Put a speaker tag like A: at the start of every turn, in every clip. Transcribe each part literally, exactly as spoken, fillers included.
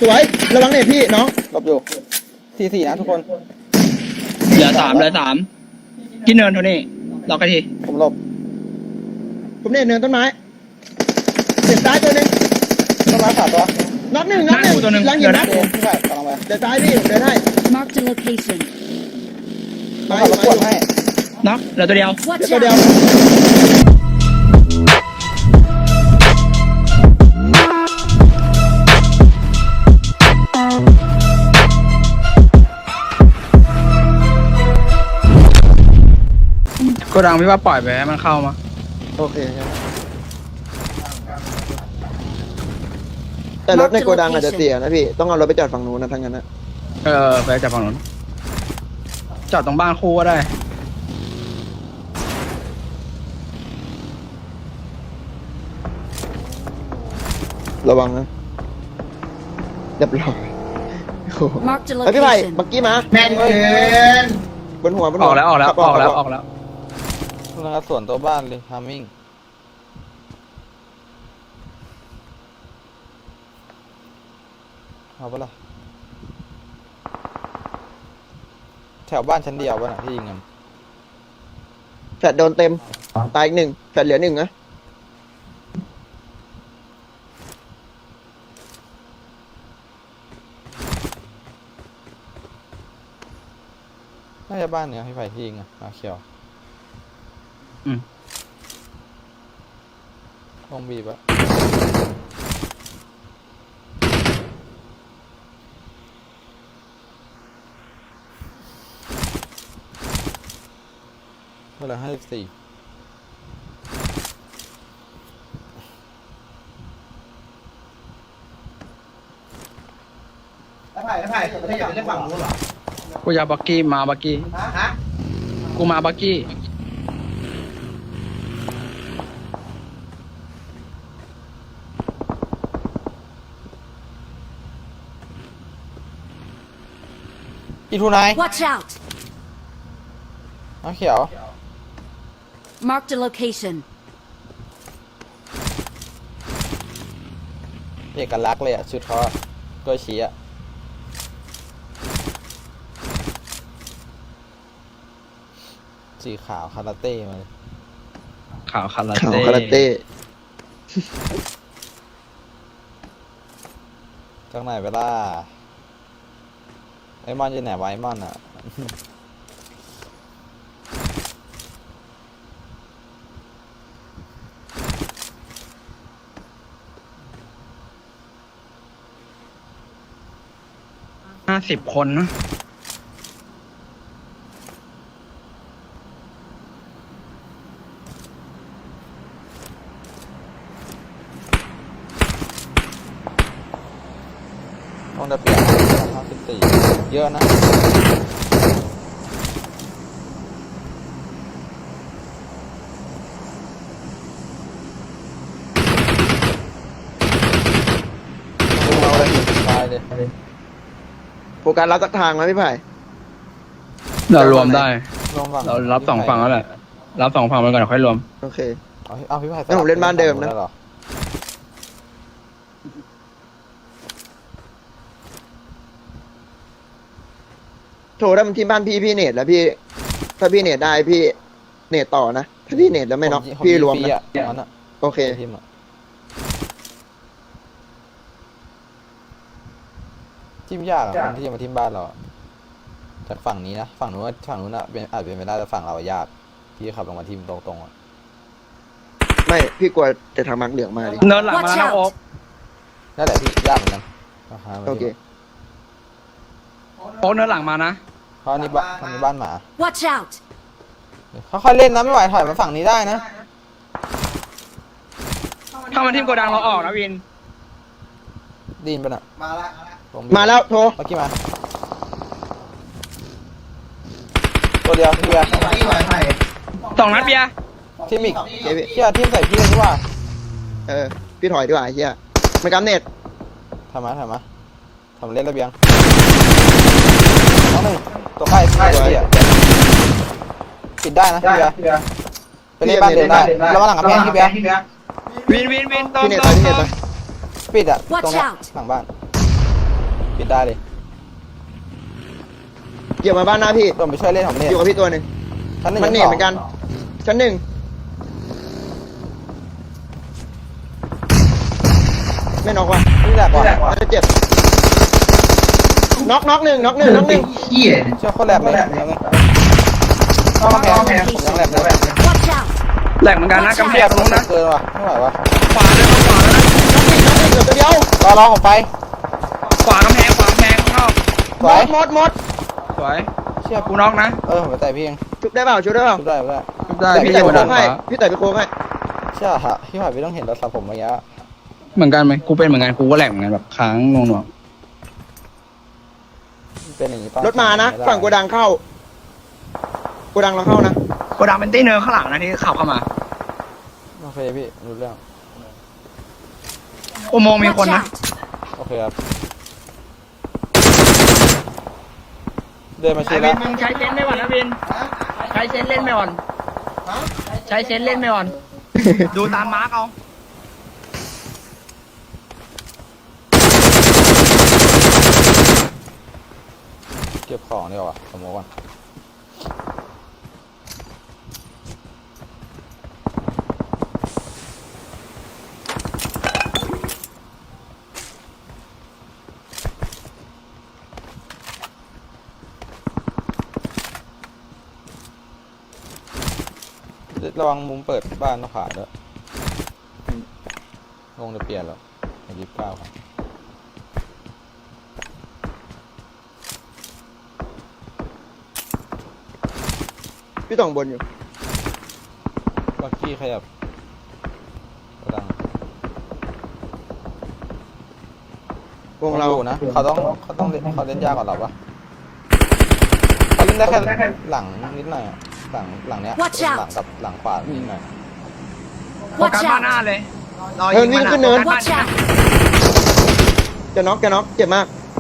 A: สวยระวังเน็ตพี่น้องหลบอยู่สี่สี่นะทุกคน
B: เหลือสามเหลือสามกินเนินโทนี่รอกันที
A: ผมหลบผมเน็ตเนินต้นไม้เสียบซ้ายตัวนึงต้นไม้ขาดตัวน็อกหนึ่งน็อกหนึ่งตัวนึงลังหินนะพี่ไปกำลังไปเดี๋ยวซ้ายพี่เดินให้
C: Mark the location
A: มาอยู่มาอยู่ให้
B: น็อกเหลือตัวเดียว
C: Watch
A: ตัวเดียว
C: out
B: โกดังพี่ว่าปล่อยไปให้มันเข้ามา
A: โอเคแต่รถในโกดังอาจจะเสียนะพี่ต้องเอารถไปจอดฝั่งนู้นนะทั้งนั้นนะ
B: เออไปจากฝั่งนู้นจอดตรงบ้านคู่ก็ได้
A: ระวังนะเรียบร้อยไอพี่ไผ่บักกี้มาแม่นเกินบนหัวบนหัว
B: ออกแล้วออกแล้วออกแล้วออกแล้ว
D: คุณกระสวนตัวบ้านเลยทามมิ่งเอาปะล่ะแถวบ้านชั้นเดียวป่ะน่ะที่ยิงกัน
A: แฟดโดนเต็มตายอีกหนึ่งแฟดเหลือหนึ่งนะ
D: น่าจะบ้านเนี้ยพี่ไผ่ที่ยิงอ่ะมาเขียว
B: อืม
D: ลงบีบอะเวลาห้าสิบสี่
A: แล้วไผ่แล้วไผ่ไม่ได้อยากเล่นฝั่งนู้นหรอ
B: กูอยากบักกี้มาบักกี้
A: ฮะ
B: กูมาบักกี้
D: อีทูไน
C: Watch out
D: น้ำเขียว
C: Mark the location
D: เอกลักษณ์เลยอ่ะชุดเขากล้วยชี้อ่ะสีขาวคาราเต้มาเลย
B: ขาวคารา
A: ขาว
B: เต้
A: คาราเต้
D: จากไหนไปล่ะไอ้มอนจะไหนไว้มอนอ่ะ
B: ห้าสิบคนนะ
D: ต้องได้เปลี่ยนห้าสิบสี่เยอะนะเราเลยตายเลย
A: โฟกัสรับสักทางไหมพี่ไผ่
B: เรารวมได้
D: รวมฝั่ง
B: เรารับสองฝั่งแล้วแหละรับสองฝั่งไปก่อนค่อยรวม
A: โอเค
D: เอาเอาพี่ไผ่
A: งั้นผมเล่นบ้านเดิมนะโถถ้ามันที่บ้านพี่พี่เนตแล้วพี่ถ้าพี่เนตได้พี่เนตต่อนะถ้าพี่เนตแล้วไม่น็อกพี่รวมนะโอเค
D: ทีมยากอ่ะคนที่จะมาทีมบ้านเราจากฝั่งนี้นะฝั่งนู้นฝั่งนู้นอ่ะเป็นอาจเป็นไม่ได้แต่ฝั่งเรายากพี่ขับลงมาทีมตรงๆอ่ะ
A: ไม่พี่กลัวจะทำมักเหลืองมาดิ
B: เนินหลังมาแล้วโอ๊ก
D: นั่นแหละพี่ยากเหมือนกัน
A: โอเค
B: โอ๊กเนินหลังมานะ
D: เพราะนี่บ้านนี่บ้านหมา
C: Watch out
D: เขาค่อยเล่นนะไม่ไหวถอยมาฝั่งนี้ได้นะ
B: ถ้ามันทีมโกดังเราออกนะวิน
D: ดีนปะน่ะ
A: มาแล้วมาแล้วโทร
D: เมื่อกี้มาตัวเดียวพี่เบียร์
B: สองนัดเบียร์
D: ทีมอีกเฮียทีมใส่พี่เลยดีกว่า
A: เออพี่ถอยดีกว่าเฮียไม่กำเน็ต
D: ทำมาทำมาทำเล่นระเบียงน้องหนึ่งตัวใกล้ใกล้เฮียปิดได้นะพี่เบียร์ไปเล่นบ้านเดินได้แล้วมาหลังกับแพงพี่เบียร์
B: วินวินวินตรงตรง
D: ปิดอ่ะตรงนี้หลังบ้านปิดได้เลย
A: เกี่ยวมาบ้านหน้าพี่
D: ผมไปช่วยเล่นผมเล่น
A: อยู่กับพี่ตัวหนึ่ง
D: ชั้นหนึ่ง
A: มันเหนีย
D: ชั้
A: เหมือนกันชั้นหนึ่งไม่น็อกว่ะ
D: นี่แหละก่อน
A: น่าจะเจ็บน็อกน็อกหนึ่งน็อกหนึ่งน็อกหนึ่ง
E: เฮีย
D: เชื่อคนแหลกเลยเข้ากำแพงผมยังแหลกเลย
C: Watch out!
B: แหลกเหมือนกันนะกำแพงตรงนู้นนะ
D: เกินว่ะไม่ไหวว่ะ
B: ขวาเลยขวาแล้วนะ
A: น็อกหนึ่งน็อกหนึ่งเหลือตัวเดียว
D: รอรอผมไป
B: ขวากำแพงขวากำแพงเข้า
D: สวย
A: หมดหมด
B: สวย
D: เชื่อ
B: กูน็อกนะ
D: เออผมไปใส่พี่เอง
A: ชุบได้เปล่าชุบได้เปล่า
D: ชุบได้ชุบได้
B: ได้
A: แต่
B: พี่
A: พี่
B: จะ
A: แต่ไป
B: มา
A: โค้
B: ดั
A: ง
B: น
A: ให้
B: ขวา
A: พี่แต่ไปโค้งให้
D: เชื่อฮะพี่หอยพี่ต้องเห็นรถสับผมเมื่อกี้
B: เหมือนกันไหมกูเป็นเหมือนกันกูก็แหลกเหมือนกันแบบค้างงงหน่วง
D: เป็นอย่างนี้ตอน
A: รถมานะฝั่งโกดังเข้าโกดังเราเข้านะ
B: กูดังเป็นตี้เนิร์ข้างหลังนะที่ขับเข้ามา
D: โอเคพี่รู้เรื่อง
B: อุโมงค์มีคน
C: Watch
B: นะ
C: out!
D: โอเคครับเดินมา
B: ไอ
D: ชี้
B: วิ
D: แล้
B: น
D: ว
B: มึงใช้เซนส์ไม่หวันนะวินใช้เซนส์เล่นไม่หวันใช้เซนส์เล่นไม่หวันดูตามมาร์กเอา
D: เก็บของดีกว่าสมมติก่อนระวังมุมเปิดบ้านต้องผ่านด้วยลงจะเปลี่ยนแล้วยี่สิบเก้าครับ
A: พี่ต้องบนอยู่
D: บักกี้ขยับกระดัง
A: วงเรา
D: อยู่นะเขาต้องเขาต้องเล่นเขาเล่นยากกว่าเราปะเขาเล่นได้แค่หลังนิดหน่อยอะหลังหลังเนี้ย
C: Watch out
D: หลังกับหลังขวานิดหน่อย
B: โฟกัส
C: Watch
B: บ้านหน้า
C: out!
B: เลยรอ
A: เนิ
B: ยิ
A: น
B: ง
A: วิ่
B: มั
A: ง
B: น
A: ขึ้นเนิน
B: โฟกัส
C: Watch out!
A: จะน็อกจะน็อกเจ็บมาก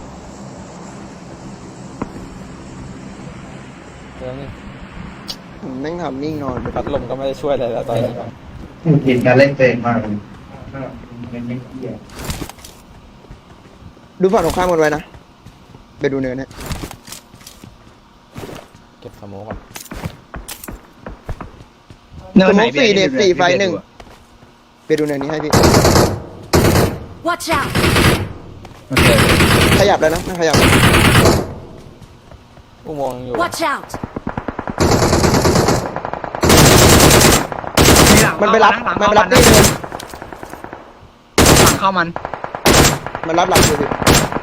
D: เรื่องนี้
A: ผมแม่งทำนิ่งนอนไป
D: พัดลมก็ไม่ได้ช่วยอะไรแล้วตอนนี้
E: มึงกินการเล่นเกมมากเลยเล่นไม่เฮีย
A: ดูฝั่งตรงข้ามกันไว้นะไปดูเนินเนี่ย
D: เก็บสโมกก่อน
B: เนินไหน
A: สมมุติสี่เด็ดสี่ไฟหนึ่ง ไปดูเนินนี้ให้พี่
C: Watch out!
B: โอเค
A: ขยับแล้วนะไม่ขยับ
D: อุโมงค์ยังอยู่
C: Watch out!
B: มีหลัง
A: มันไปรับ
B: หลัง
A: มัน
B: เข้า
A: ไปรับ
B: นะ
A: ที่เนิน
B: หลังเข้ามัน
A: มันรับหลังอยู่พี่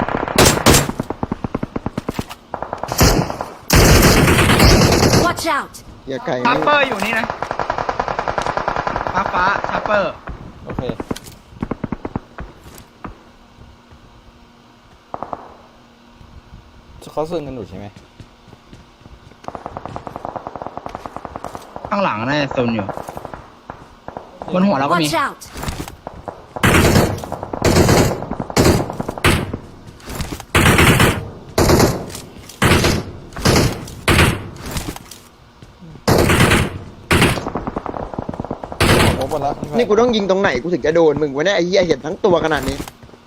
C: Watch out!
A: อย่าไกล
B: ชาร์เปอร์อยู่นี่นะฟ้าฟ้าชาร์เปอร์
D: โอเคเขาซึงกันอยู่ใช่ไหม
B: ข้างหลังน่าจะโซนอยู่บนหัวเราก็มี
C: Watch out!
D: โอ้หมดแล้วพี่ไผ่
A: นี่กูต้องยิงตรงไหนกูถึงจะโดนมึงวะเนี่ยไอ้เหี้ยเห็นทั้งตัวขนาดนี้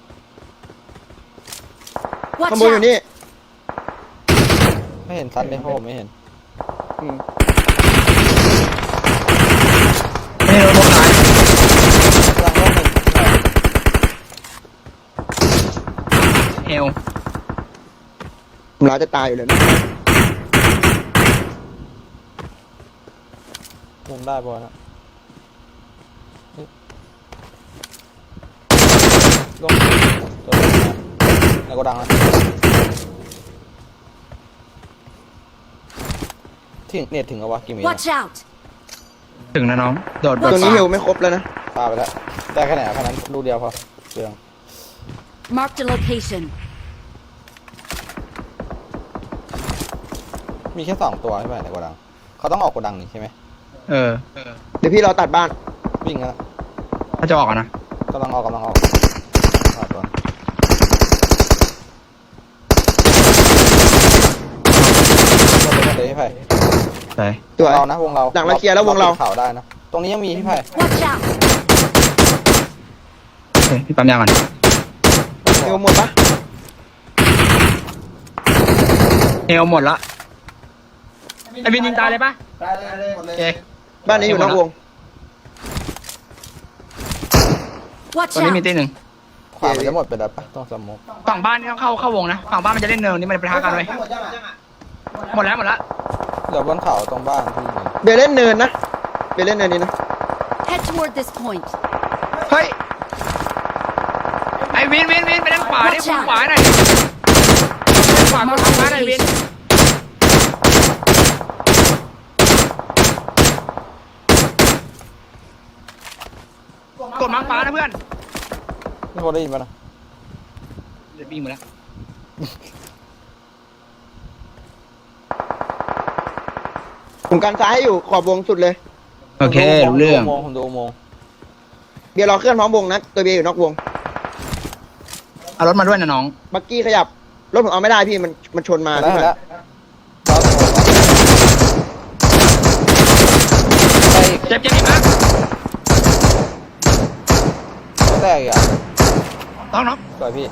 C: Watch
A: ขโมยอยู่
C: out!
A: นี่
D: ไม่เห็นซัดเลยเพราะผมไม่เห็น
A: อืม
B: ไม่โดนบนซ้าย
D: กำลังโลกหนึ่ง
B: เฮล
A: ผมร้ายจะตายอยู่เลยนะ
D: มุมได้บอลนะเฮ้ยลงตัวนี้นะในโกดังนะถึงเน็ตถึงแล้ววะกี่เมตร
C: Watch out!
B: ถึงนะน้องโดด
A: ตรงนี้เฮลไม่ครบแล้วนะ
D: ปาไปแล้วได้แค่ไหนอะแค่นั้นลูกเดียวพอเรื่อง
C: Marked a location.
D: มีแค่สองตัวใช่ไหมในโกดังเขาต้องออกโกดังนี่ใช่ไหม
B: เออ
A: เดี๋ยวพี่เราตัดบ้าน
D: วิ่งแล้ว
B: ถ้าจะออกอะนะ
D: กำลังออกกำลังออกออกตัว หมดเลยหมดเลยพี่ไผ่
B: ใช่
A: ตัว
D: เรานะวงเรา
A: หลังเราเคลียร์แล้ววงเรา
D: ปิดข่าวได้นะตรงนี้ยังมีพี่ไผ่
C: Watch out!
B: โอเคพี่ปั๊มยาก่อน
A: เฮลหมดปะ
B: เฮลหมดละไอวินยิงตายเลยปะ
E: ได้เลยหมดเล
B: โอย เค
A: บ้านนี้อยู่นอกวง
C: Watch
B: ตอนนี้มี
C: out!
B: ตีหนึ่ง
D: ขวามันจะหมดไปแล้วปะต้องสมมุก
B: ฝั่งบ้านนี่ต้องเข้าเข้าวงนะฝั่งบ้านมันจะเล่นเนินนี่มันไปท้ากันไว้หมดแล้วหมดแล้ว
D: เหลือบนเขาตรงบ้านที่ยิง
A: เบลเล่นเนินนะเบลเล่นเนินนี้นะ
C: Head toward this point.
B: เฮ้ยไอวินวินวินไปด้านขวาดิ
C: Watch
B: ฝั่ง
C: out
B: ขวาหน่อยด้านขวาฝั่งขวาหน่อยวินกดมังฟ้านะเพื่อน
D: พี่โคได้ยินปะนะ
B: เดี๋ยววิ่งหมดแล้ว
A: ผมกันซ้ายให้อยู่ขอบวงสุดเลย
B: โอเครู้เรื่อง
D: ผมดูอุโมงค์
A: เบียร์รอเคลื่อนพร้อมวงนะตัวเบียร์อยู่นอกวง
B: เอารถมาด้วยนะน้อง
A: บักกี้ขยับรถผมเอาไม่ได้พี่มันมันชนมา
D: แล้ว
A: พี่
D: แล้ว
B: เจ็บเจ็บอีกนะ
D: แตกอีกอ่ะ
B: ต้องน้อง
D: สวยพี่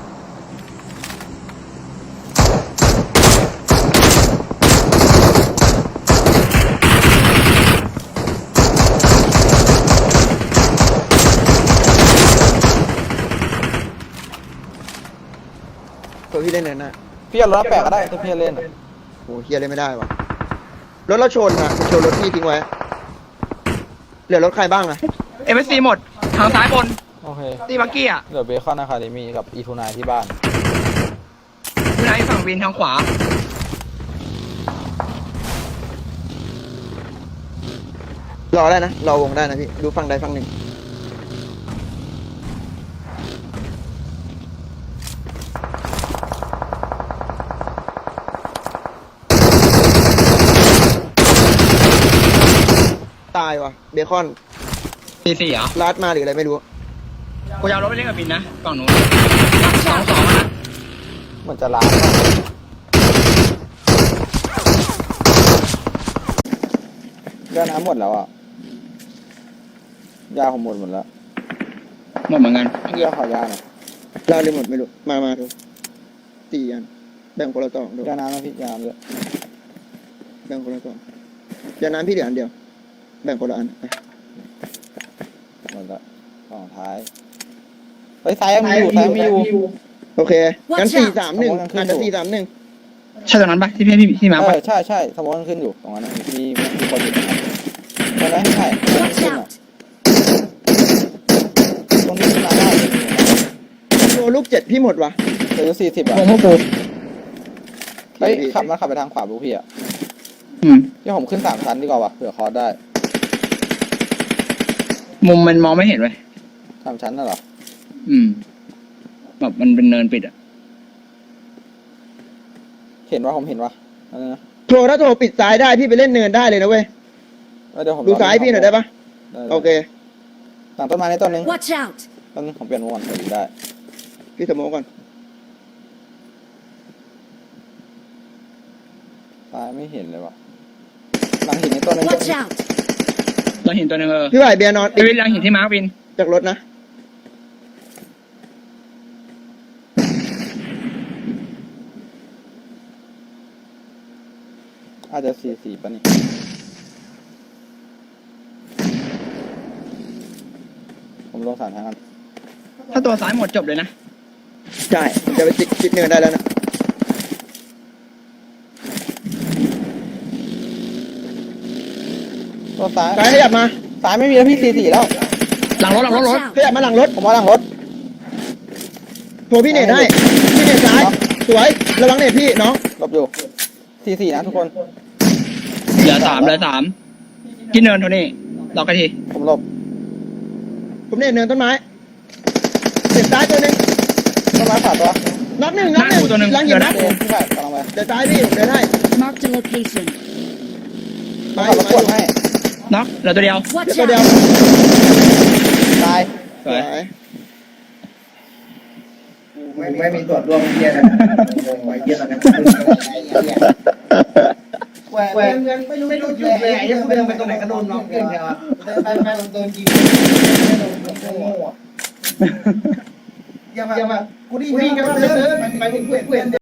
A: ตัวพี่เล่นเนินนะ
D: พี่เอารถแปะก็ได้ถ้าพี่เล่นอะ
A: โอ้เฮียเล่นไม่ได้วะรถเราชนอะชนรถพี่ทิ้งไว้เหลือรถใครบ้างอะ
B: เอฟซีหมดทางซ้ายบน
D: โอเค
B: ตีบักกี้อ่ะ
D: เหลือเบคอนอะคาเดมี่กับอีทูนายที่บ้าน
B: อยู่ไหนฝั่งวินทางขวา
A: รอได้นะรอวงได้นะพี่ดูฝั่งใดฝั่งหนึ่งตายวะเบคอน
B: ตีสี่เหรอ
A: ลัดมาหรืออะไรไม่รู้
B: กูจะเอารถไปเล่นกับวินนะฝั่งนู้นสองสองนะ
D: เหมือนจะล้างอะยาน้ำหมดแล้วอ่ะยาผมหมดหมดแล้ว
B: หมดเหมือนกัน
D: พี่เอาขอยาหน่อย
A: ลาเลยหมดไม่รู้มามาดูสี่อันแบ่งคนละสองดู
D: ยาน้ำนะพี่ยาน้ำด้วย
A: แบ่งคนละสองยาน้ำพี่เหลืออันเดียว แบ่งคนละอันไป
D: หมดละสองท้ายเฮ้ยซ้ายยังมีอยู่ซ้ายยังมีอยู่
A: โอเคงั้น
C: Watch
A: สี่
C: out
A: สามหนึ่ง
D: ผมว่ายังขึ้น
A: อาจจะ
D: อยู่
A: สี่สามหนึ่ง
B: ใช่ตรงนั้นปะที่พี่พี่พี่มา
D: เอ
B: ปะ
D: อใช่ใช่สมมติมันขึ้นอยู่ตรงนั้นนะมีมีคนอยู่ตรงนั้นใช่ไหมใช่
C: Watch out!
D: ตรงที่ขึ้นมาได้
A: โลลูกเจ็ดพี่หมดวะ
D: เหลืออยู่สี่สิบอ่ะ
B: วงพวกกู
D: เฮ้ยขับมาขับไปทางขวาบุพี่อ่ะ
B: อืม
D: ที่ผมขึ้นสามชั้นดีกว่าว่ะเผื่อคอร์สได้
B: มุมมันมองไม่เห็นเว้ย
D: สามชั้นน่ะเหรอ
B: อืมแบบมันเป็นเนินปิดอ่ะ
D: เห็นว่าผมเห็นว่าอะไรนะ
A: โทรถ้าโทรปิดซ้ายได้พี่ไปเล่นเนินได้เลยนะเว้ย
D: เออเดี๋ยวผม
A: ดูซ้ายพี่หน่อยได้ปะ
D: ได้
A: โอเค
D: หลังต้นไม้ในต้นนึง
C: Watch out!
D: ต้นนึงผมเปลี่ยนมุมก่อนเดี๋ยวดูได้
A: พี่สโมกก่อน
D: ซ้ายไม่เห็นเลยว่ะหลังหินในต้นนึง
C: Watch out!
B: เราเห็นตัวหนึงเออ
A: พี่ไหวเบียร์นอน
B: ไอวินเราเห็นที่มาร์ควิน
A: จากรถนะ
D: อาจจะสี่สี่ป่ะนี่ผมลงสามทางกัน
B: ถ้าตัวซ้ายหมดจบเลยนะ
A: ใช่ผมจะไปจิกจิกเนินได้แล้วนะ
D: ตัวซ้าย
A: ซ้ายขยับมา
D: ซ้ายไม่มีแล้วพี่สี่สี่แล้ว
B: หลังรถหลังรถรถ
C: Watch out!
A: ขยับมาหลังรถ
D: ผมว่าหลังรถ
A: โทรพี่เนตให้พี่เนตซ้ายสวยระวังเนตพี่น้อง
D: หลบอยู่สี่สี่นะทุกคน
B: เหลือสามเหลือสามที่เนินโทนี่รอกันที
D: ผมหลบ
A: ผมเนตเนินต้นไม้เสียบซ้ายตัวหนึ่ง
D: ต้นไม้ขวาตัว
A: น็อกหนึ่งน็อกหนึ่งหลังหินนะ
D: เดินพี่ไก่กำลังไป
A: เดี๋ยวซ้ายพี่ผมเดินให้
C: Marked a location.
A: ไป
D: ขับรถกวนให้
B: เนาะเหลือตัวเดียว
C: Watch
A: เดี๋ยวตัวเดียว
C: out!
D: ตาย
B: สวย
E: ไม่ไม่มีส่วนร่วมเยี่ยนะงงไว้เยี่ยตอนนี้แหวนแหวนไม่รู้ไม่รู้จุดเลยไอ้ยังไม่ต้องไปตรงไหนก็โดนน้องเกินแล้วอ่ะไปไปโดนยิงไม่โดนโง่อ่ะอย่ามาอย่ามากูดีวิ่งกันเลยไปไปเพื่อนเพื่อน